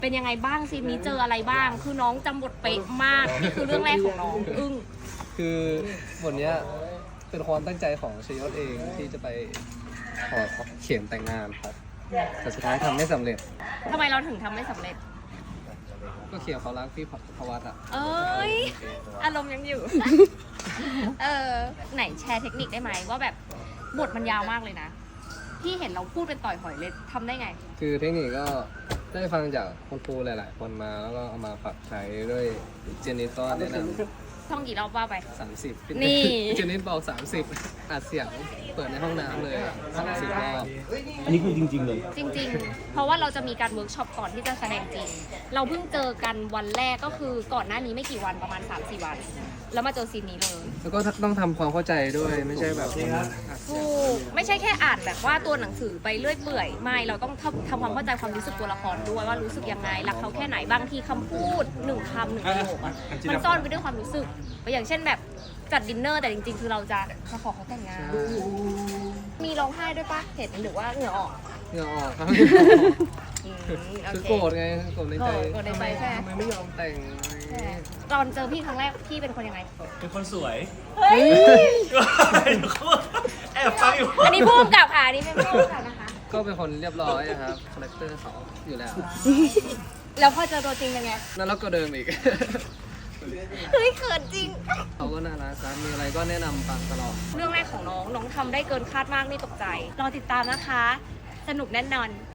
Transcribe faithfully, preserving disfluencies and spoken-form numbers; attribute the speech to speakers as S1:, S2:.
S1: เป็นยังไงบ้างซีนนี้เจออะไรบ้างคือน้องจำบทเป๊ะมากนี่คือเรื่องแรกของน้องอึ้ง
S2: คือบทเนี้ยเป็นความตั้งใจของชยศเองที่จะไปขอเขียนแต่งงานครับแต่สุดท้ายทำไม่สำเร็จ
S1: ทำไมเราถึงทำไม่สำเร็จ
S2: ก็เขียนเขารักพี่พวัตอ่ะ
S1: เอ้ยอารมณ์ยังอยู่ เออไหนแชร์เทคนิคได้ไหมว่าแบบบทมันยาวมากเลยนะพี่เห็นเราพูดเป็นต่อยหอยเลยทำได้ไง
S2: คือเทคนิคก็ได้ฟังจากคุณครูหลาย ๆ คนมาแล้วก็เอามาปรับใช้ด้วยเจนนิสก็แนะนำ
S1: ท่องกี่รอบว่าไป
S2: สามสิบ
S1: นี่
S2: เจนนิสบอกสามสิบอัดเสียงเปิดในห้องน้ำเลยสามสิบรอบ
S3: อันนี้คือจริงๆเลย
S1: จริงๆ เพราะว่าเราจะมีการเวิร์กช็อปก่อนที่จะแสดงจริง เราเพิ่งเจอกันวันแรกก็คือก่อนหน้านี้ไม่กี่วันประมาณ สามสี่ วัน แล้วมาเจอซีนนี้เลย
S2: แล้วก็ต้องทำความเข้าใจด้วยไม่ใช่แบบอัดเสี
S1: ถู
S2: ยง
S1: กไม่ใช่แค่อ่านแบบว่าตัวหนังสือไปเรื่อยเปื่อยไม่เราต้องทำทำความเข้าใจความรู้สึกตัวละครด้วยว่ารู้สึกยังไงรักเขาแค่ไหนบางทีคำพูดหนึ่งคำหนึ่งประโยคอะมันซ่อนไปด้วยความรู้สึกอย่างเช่นแบบจัดดินเนอร์แต่จริงๆ คือเราจะมาขอเขาแต่งงาน มีร้องไห้ด้วยปะเห็นหรือว่าเหงื่อออก
S2: เหงื่อออกครับ
S1: อืมโอ
S2: คือ
S1: เค
S2: โกรธไงโกรธในใจ
S1: โกรธในใจใช่ไหม
S2: ทำไมไม่ยอมแต่งอะไรอย่างเงี้ย
S1: ตอนเจอพี่ครั้งแรกพี่เป็นคนยังไง
S3: เป็นคนสวย
S1: เฮ้ย
S3: แอบฟังอยู่
S1: อันนี้พูดกับค่ะอันนี้เป็นพูดกับนะคะ
S2: ก็เป็นคนเรียบร้อยอะครับคาแรคเตอร์เขาอยู่แล้ว
S1: แล้วพอเจอตัวจริงเป็นไง
S2: นั่นแล้วก็เดิมอีก
S1: เฮ้ยเขินจริง
S2: เขาก็น่ารักครับมีอะไรก็แนะนำฟังตลอด
S1: เรื่องแรกของน้องน้องทำได้เกินคาดมากนี่ตกใจ รอติดตามนะคะ สนุกแน่นอน